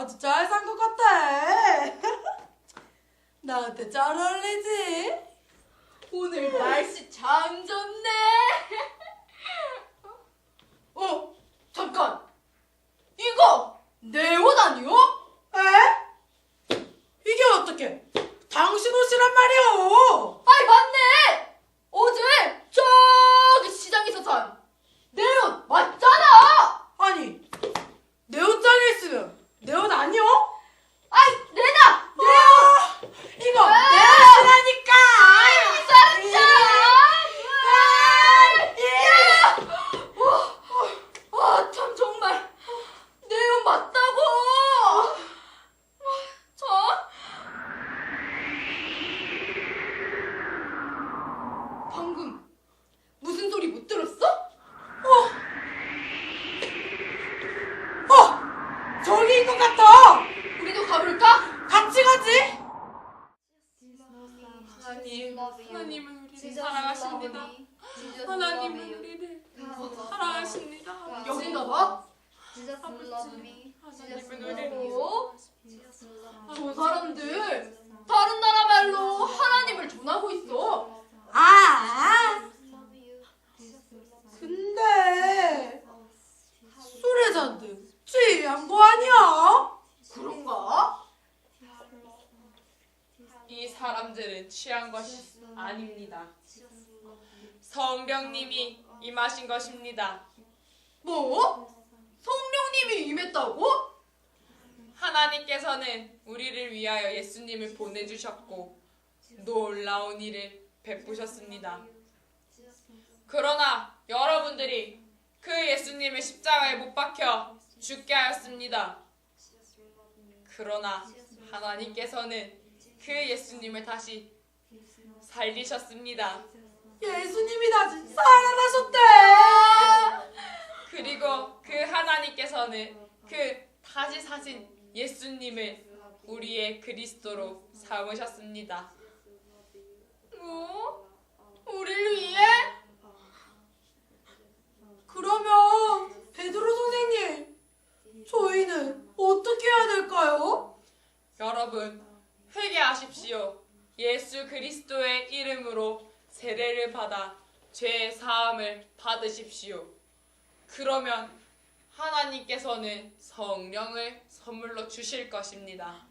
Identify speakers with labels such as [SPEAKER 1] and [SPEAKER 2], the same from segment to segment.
[SPEAKER 1] 아주 잘 산 것 같아. 나한테 잘 어울리지?
[SPEAKER 2] 오늘 날씨 참 좋네. 잠깐. 이거 내 옷 아니요?
[SPEAKER 1] 에? 이게 어떻게 당신 옷이란 말이오?
[SPEAKER 2] 아이 맞네. 어제 저기 시장에서 산 내 옷 맞잖아.
[SPEAKER 1] 아니, 내 옷장에 있으면 내 옷 아니오?
[SPEAKER 2] 아이 내다. 내 옷.
[SPEAKER 1] 이거 내 옷이라니까!
[SPEAKER 2] 참 정말 내 옷 맞다고. 참. 방금 무슨 소리 못 들었어?
[SPEAKER 1] 저기인 것 같아!
[SPEAKER 2] 우리도 가볼까?
[SPEAKER 1] 같이 가지?
[SPEAKER 3] 하나님, 하나님은 우리를 사랑하십니다. 하나님은 우리를 사랑하십니다.
[SPEAKER 2] 여긴가 봐.
[SPEAKER 3] 하나님은 우리를
[SPEAKER 2] 어? 저 사람들 다른 나라 말로 하나님을 전하고 있어.
[SPEAKER 1] 근데 술에 잔뜩 취한 거 아니야?
[SPEAKER 2] 그런가?
[SPEAKER 3] 이 사람들은 취한 것이 아닙니다. 성령님이 임하신 것입니다.
[SPEAKER 2] 뭐? 성령님이 임했다고?
[SPEAKER 3] 하나님께서는 우리를 위하여 예수님을 보내주셨고 놀라운 일을 베푸셨습니다. 그러나 여러분들이 그 예수님을 십자가에 못 박혀 죽게 하였습니다. 그러나 하나님께서는 그 예수님을 다시 살리셨습니다.
[SPEAKER 1] 예수님이 다시 살아나셨대!
[SPEAKER 3] 그리고 그 하나님께서는 그 다시 사신 예수님을 우리의 그리스도로 삼으셨습니다.
[SPEAKER 2] 뭐? 우리를 위해?
[SPEAKER 1] 그러면 베드로 선생님, 저희는 어떻게 해야 될까요?
[SPEAKER 3] 여러분, 회개하십시오. 예수 그리스도의 이름으로 세례를 받아 죄의 사함을 받으십시오. 그러면 하나님께서는 성령을 선물로 주실 것입니다.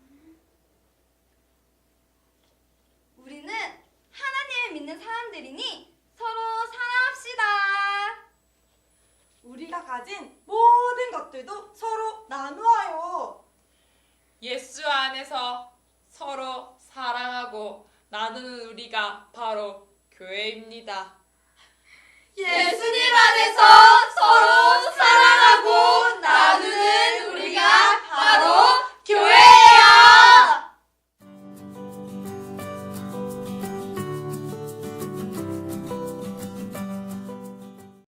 [SPEAKER 4] 우리는 하나님을 믿는 사람들이니 서로 사랑합시다.
[SPEAKER 5] 우리가 가진 모든 것들도 서로 나누어요.
[SPEAKER 3] 예수 안에서 서로 사랑하고 나누는 우리가 바로 교회입니다.
[SPEAKER 2] 예수님 안에서 서로 사랑하고 나누는 우리가 바로